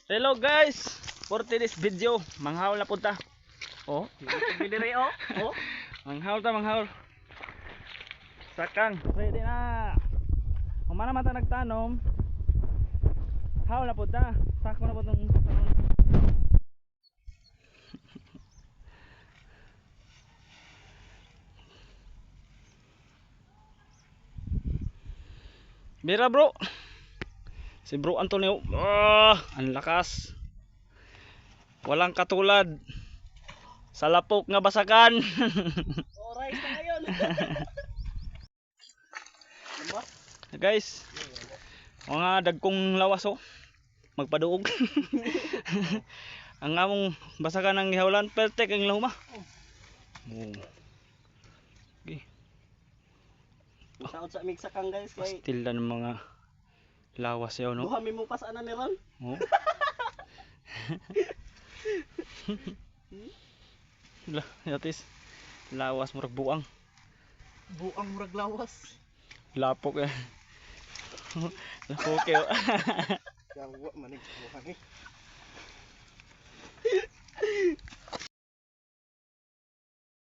Hello guys, for today's video, manghaul na punta. Oh, Bidiri oh. Oh. manghaul. Sakang, ready na. Kung mana mata nagtanom, haul na punta. Sako na po itong Bira bro. Si Bro Antonio. Ang lakas. Walang katulad sa lapok nga basakan. Oray na ngayon. Guys, mga dagkong lawas oh. Magpaduog. Ang among basakan ng ihawlan, pertek ang lahuma. Oh. Okay. Taot sa migsakan guys kay Pastil na ng mga lawas yaw no. buhami mo pa sana ni Ron. Oh. Lah, yatis. Lawas murag buang. Buang murag lawas. Lapok eh. Lapok eh. Yawa manig buhami.